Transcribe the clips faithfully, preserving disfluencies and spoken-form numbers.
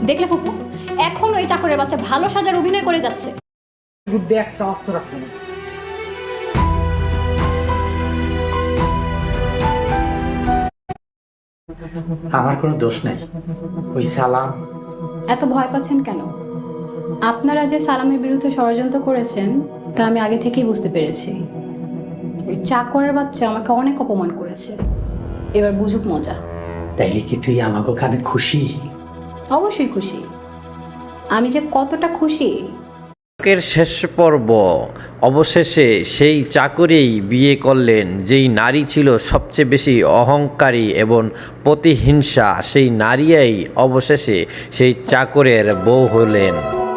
দেখলে ফুপু, এখন ওই চাকরের বাচ্চা ভালো সাজার অভিনয় করে যাচ্ছে। ব্যাগটা আস্ত রাখতে না। আমার কোনো দোষ নাই। ওই সালাম। এত ভয় পাচ্ছেন কেন? আপনারা যে সালামের বিরুদ্ধে ষড়যন্ত্র করেছেন তা আমি আগে থেকেই বুঝতে পেরেছি। ওই চাকরের বাচ্চা আমাকে অনেক অপমান করেছে, এবার বুঝুক মজা। তাইলে কি তুই আমাকে ওখানে খুশি? অবশ্যই খুশি। আমি যে কতটা খুশি। নাটকের শেষ পর্ব অবশেষে সেই চাকরেই বিয়ে করলেন যেই নারী ছিল সবচেয়ে বেশি অহংকারী এবং প্রতিহিংসা, সেই নারীই অবশেষে সেই চাকরের বউ হলেন।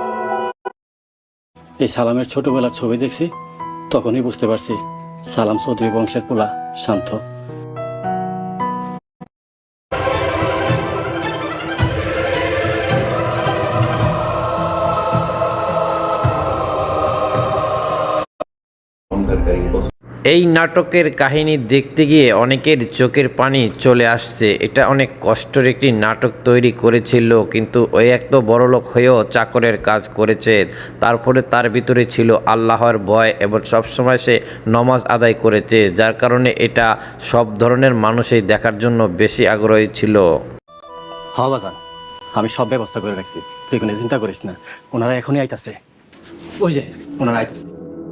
এই সালামের ছোটবেলার ছবি দেখছি, তখনই বুঝতে পারছি সালাম চৌধুরী বংশের পোলা শান্ত। এই নাটকের কাহিনী দেখতে গিয়ে অনেকের চোখের পানি চলে আসছে। এটা অনেক কষ্টের একটি নাটক তৈরি করেছিল, কিন্তু ওই এত বড়লোক হয়েও চাকরের কাজ করেছে। তারপরে তার ভিতরে ছিল আল্লাহর ভয় এবং সবসময় সে নমাজ আদায় করেছে, যার কারণে এটা সব ধরনের মানুষই দেখার জন্য বেশি আগ্রহী ছিল। হ বাজান, আমি সব ব্যবস্থা করে রাখছি, তুই কোনো চিন্তা করিস না। ওনারা এখনই আইতাছে, ওই যে ওনারা আইতাছে।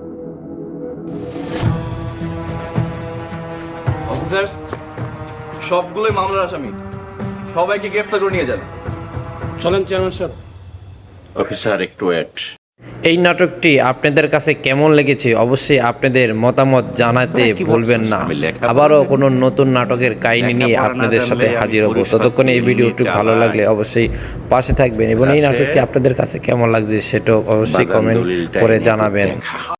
অফিসার্স, সবগুলোই মামলার আসামি, সবাইকে গ্রেফতার করে নিয়ে যান। চলেন চেয়ারম্যান সাহেব। অফিসার একটু ওয়েট। এই নাটকটি আপনাদের কাছে কেমন লেগেছে অবশ্যই আপনাদের মতামত জানাতে ভুলবেন না। আবারও কোনো নতুন নাটকের কাহিনী নিয়ে আপনাদের সাথে হাজির হব। ততক্ষণে এই ভিডিওটি ভালো লাগলে অবশ্যই পাশে থাকবেন এবং এই নাটকটি আপনাদের কাছে কেমন লাগছে সেটাও অবশ্যই কমেন্ট করে জানাবেন।